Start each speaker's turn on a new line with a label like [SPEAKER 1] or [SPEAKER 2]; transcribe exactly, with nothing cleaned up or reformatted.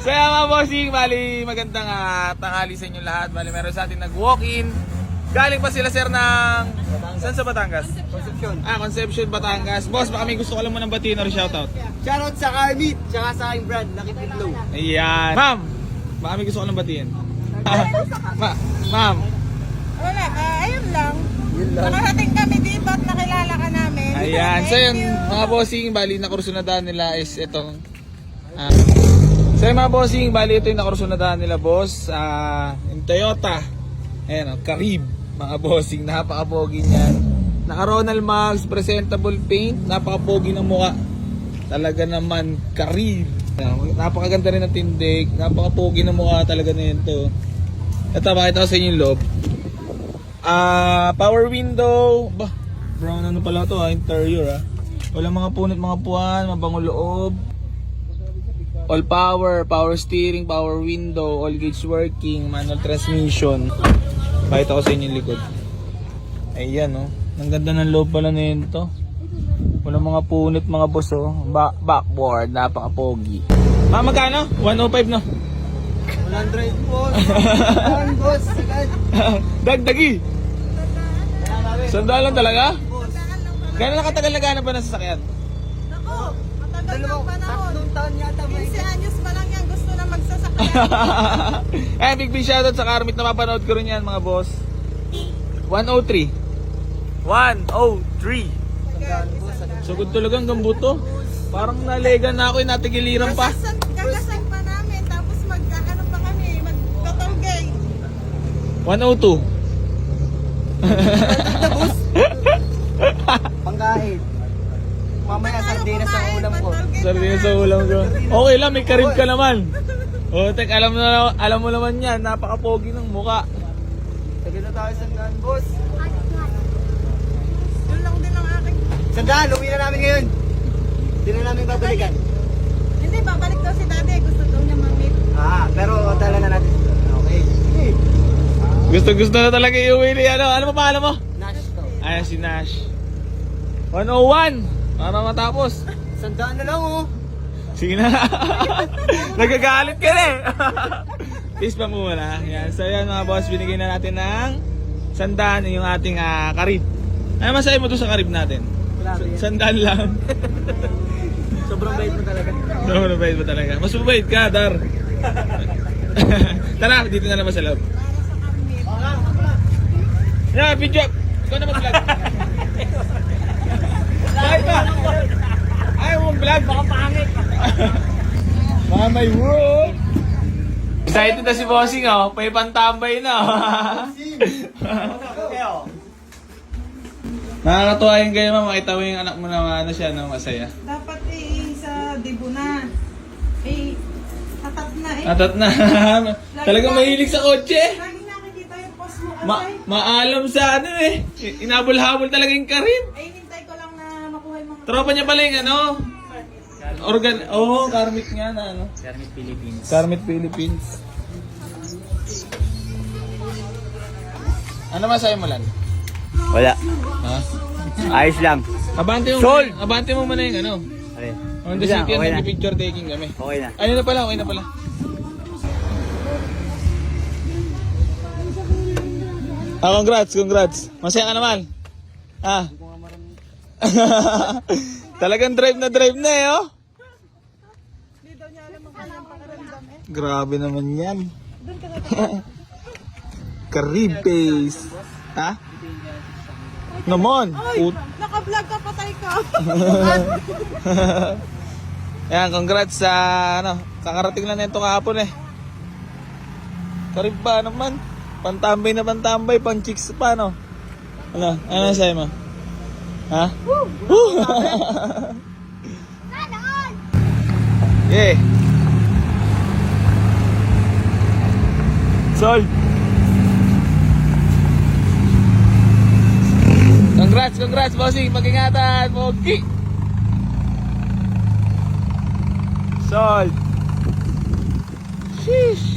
[SPEAKER 1] So yan mga bossing, bali magandang uh, tanghali sa inyo lahat. Bali meron sa atin nag-walk-in. Galing pa sila sir ng... Saan sa Batangas?
[SPEAKER 2] Concepcion.
[SPEAKER 1] Ah, Concepcion, Batangas. Boss, baka may gusto ko lang mo ng batiin or shoutout.
[SPEAKER 2] Shoutout sa Carmeet, tsaka sa aking brand, Lucky Pitlow.
[SPEAKER 1] Ayan. Ma'am, baka may gusto ko lang batiin. Ma Ma'am.
[SPEAKER 3] Wala, uh, ayun lang.
[SPEAKER 2] Yun lang.
[SPEAKER 3] Nakarating kami dito at nakilala ka namin.
[SPEAKER 1] Ayan. So
[SPEAKER 3] Thank
[SPEAKER 1] yun,
[SPEAKER 3] you.
[SPEAKER 1] mga bossing, bali nakursunadahan nila is itong... Uh, so yun mga bossing, bali ito yung nakursunadahan nila boss. Uh, yung Toyota. Ayan, oh, Carib. Mga bossing, napaka-pogi niyan. Naka Ronald Max, presentable paint, napaka-pogi ng mukha. Talaga naman, Carib. Ayan, napakaganda rin ng tindig, napaka-pogi ng mukha talaga na yun to. Ito, bakita ko sa inyo yung loob. Ah, uh, power window. Bah, brown ano pala to, ah, interior ah. Walang mga punit, mga puwan, mabangong loob. All power, power steering, power window, all gauge working, manual transmission. Pakita ko sa inyo yung likod. Ayan oh. Ang ganda ng loob pala na yun to. Walang mga punit, mga boss oh. Ba backboard, napaka-pogi. Ma, magkano? one oh five no?
[SPEAKER 2] one hundred boss. one boss. Agad.
[SPEAKER 1] Dagdagi. Sandal lang talaga?
[SPEAKER 2] Boss.
[SPEAKER 1] Gano'n nakatagal na gano'n ba ng sasakyan?
[SPEAKER 3] Naku, matagal ng
[SPEAKER 2] Dalawang,
[SPEAKER 3] panahon.
[SPEAKER 2] tatlong taon yata may
[SPEAKER 3] fifteen anyos pa lang yan, gusto na magsasakyan.
[SPEAKER 1] Eh, big big shoutout sa Carmit na mapanood ko rin yan mga boss. one oh three. one oh three. Sugod talaga hanggang buto. Parang nalega na ako, natigiliran pa.
[SPEAKER 3] Kagasan, kagasan pa namin, tapos mag, ano pa kami, mag-totolgay.
[SPEAKER 1] one oh two.
[SPEAKER 2] pangkain. Mamaya sardinas sa ulam ko.
[SPEAKER 1] Sardinas sa ulam ko. Okay lang, may karib ka naman. O, tek, alam mo, na, alam mo naman yan, napaka-pogi ng muka.
[SPEAKER 2] Tagal na tayo sandaan, boss.
[SPEAKER 3] Yun lang din ang aking...
[SPEAKER 2] Sandaan, uwi na namin ngayon. Hindi na namin babalikan.
[SPEAKER 3] Hindi, babalik daw si daddy, gusto daw niya mamit.
[SPEAKER 2] Ah, pero tala na natin. Okay. Hey.
[SPEAKER 1] Gusto gusto na talaga iuwi ni ano. Ano pa pangalan mo?
[SPEAKER 2] Nash to.
[SPEAKER 1] Ayan si Nash. one oh one. Para matapos.
[SPEAKER 2] Sandaan na lang oh.
[SPEAKER 1] Sige na. Nagagalit ka na eh. Peace pa muna. Yan. So yan mga boss, binigay na natin ng sandaan yung ating uh, karib. Ano masabi mo to sa karib natin?
[SPEAKER 2] Grabe yan.
[SPEAKER 1] Sandaan lang.
[SPEAKER 2] Sobrang bait mo talaga.
[SPEAKER 1] No, mabait mo talaga. Mas mabait ka, Dar. Tara, dito na naman sa loob. Yeah, video. Ikaw na mag-vlog. Ay, ba? Ayaw mong vlog. Baka pangit. Mga may world. Excited na si Bossing, oh. May pantambay na, oh. Nakakatuwa yung ganyan, ma'am. Makita mo yung anak mo na ano siya, no, masaya.
[SPEAKER 3] Dapat eh, sa debo na. Eh, tatat na eh.
[SPEAKER 1] Atat na. Talagang mahilig sa kotse.
[SPEAKER 3] Lagi nakikita yung post mo kasi.
[SPEAKER 1] Ma maalam sa ano eh. Inabol-habol talaga yung Karim.
[SPEAKER 3] eh, hintay ko lang na makuha yung mga...
[SPEAKER 1] Tropa niya pala yung ano. Organ, oh, Carmit nga na ano.
[SPEAKER 2] Carmit Philippines.
[SPEAKER 1] Carmit Philippines. Ano masabi mo lan?
[SPEAKER 2] Wala.
[SPEAKER 1] Ha?
[SPEAKER 2] Ayos lang.
[SPEAKER 1] Abante mo
[SPEAKER 2] Sold!
[SPEAKER 1] muna, abante mo muna yung ano.
[SPEAKER 2] Okay.
[SPEAKER 1] On the city,
[SPEAKER 2] Okay na.
[SPEAKER 1] picture taking kami.
[SPEAKER 2] Okay na.
[SPEAKER 1] Ayun na pala, okay na pala. Ah, congrats, congrats. Masaya ka naman. Ah. Talagang drive na drive na eh, oh.
[SPEAKER 3] Hindi daw niya alam ang kanyang pakiramdam eh.
[SPEAKER 1] Grabe naman yan.
[SPEAKER 3] Doon ka na.
[SPEAKER 1] Carib face. Ha? Naman.
[SPEAKER 3] Ay,
[SPEAKER 1] Ut-
[SPEAKER 3] naka-vlog ka, patay ka.
[SPEAKER 1] Ayan, congrats sa ano, kakarating lang nito kahapon eh. Carib ba naman? Pantambay na pantambay, pang chicks pa no? Ano? Ano sa'yo mo? Ha? Woo! Yeah. Sold. Congrats, congrats, bossing. Mag-ingatan, Pogi. Sold. Sheesh.